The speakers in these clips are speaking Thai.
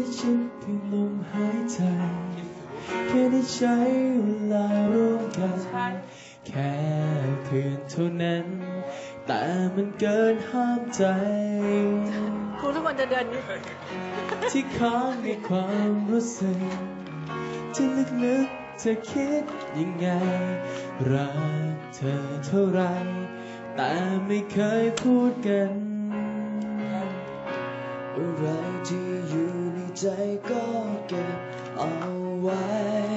ชิดเพียงลมหายใจแค่ได้ใช้เวลาร่วมกันแค่คืนเท่านั้นแต่มันเกินห้ามใจครูทุกคนจะเดินที่ค้างในความรู้สึกที่ลึกๆเธอคิดยังไงรักเธอเท่าไรแต่ไม่เคยพูดกันอะไรที่อยู่ในใจก็เก็บเอาไว้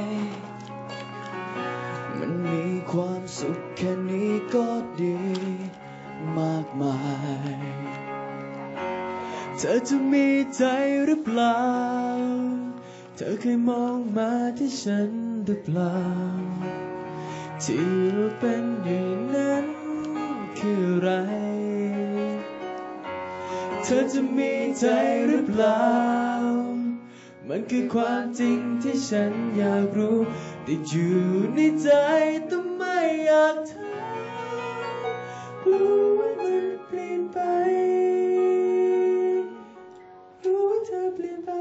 มันมีความสุขแค่นี้ก็ดีมากมายเธอจะมีใจหรือเปล่าเธอเคยมองมาที่ฉันหรือเปล่าที่เราเป็นอย่างนั้นคืออะไรเธอจะมีใจหรือเปล่ามันคือความจริงที่ฉันอยากรู้แต่อยู่ในใจแต่ไม่อยากถามรู้ว่ามันเปลี่ยนไปรู้ว่าเธอเปลี่ยนไป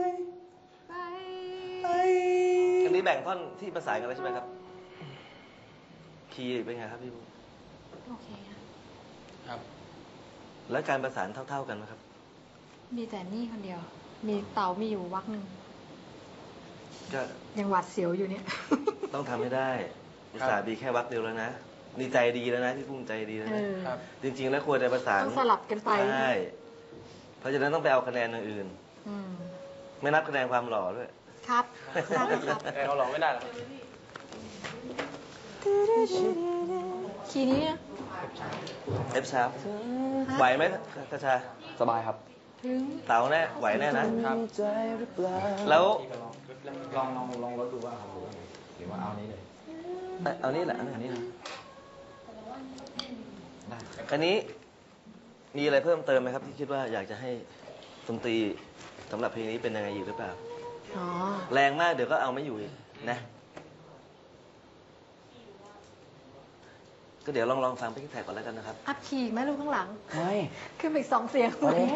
อันนี้แบ่งท่อนที่ประสานกันแล้วใช่ไหมครับคีย์เป็นไงครับพี่บูโอเคครับแล้วการประสานเท่าๆกันไหมครับมีแต่นี่คนเดียวมีเต่ามีอยู่วักหนึ่งก็ยังหวาดเสียวอยู่เนี่ยต้องทำให้ได้อุตส่าห์ดีแค่วักเดียวแล้วนะนี่ใจดีแล้วนะพี่พุ่งใจดีแล้วนะจริงๆแล้วควรจะประสานต้องสลับกันไปใช่เพราะฉะนั้นต้องไปเอาคะแนนอย่างอื่นไม่นับคะแนนความหล่อด้วยครับเราหล่อไม่ได้หรอคีย์นี้ F sharp ไหวไหมกระชาสบายครับเต๋าแน่ไหวแน่นะครับแล้วลองรถดูว่าครับหรือว่าเอานี้เลยเอานี้แหละอันนี้นะอันนี้มีอะไรเพิ่มเติมไหมครับที่คิดว่าอยากจะให้ดนตรีสำหรับเพลงนี้เป็นยังไงอยู่หรือเปล่าแรงมากเดี๋ยวก็เอาไม่อยู่อีกนะก็เดี๋ยวลองฟังเพลงแท็กก่อนแล้วกันนะครับอัพคีย์ไหมลูกข้างหลังไม่ขึ้นไปอีก2 เสียง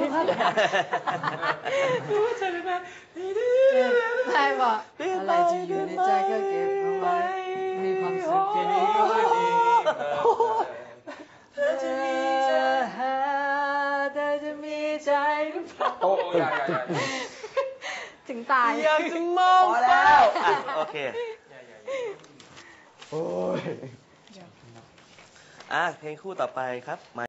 รู้ว่าเธอเป็นแบบใช่ป่ะอะไรที่อยู่ในใจก็เก็บเอาไว้มีความสุขแค่นี้ก็ดีเธอจะมีใจเธอจะมีใจหรือเปล่าถึงตายอยากจะมองแล้วโอเคโอ้ยเพลงคู่ต่อไปครับ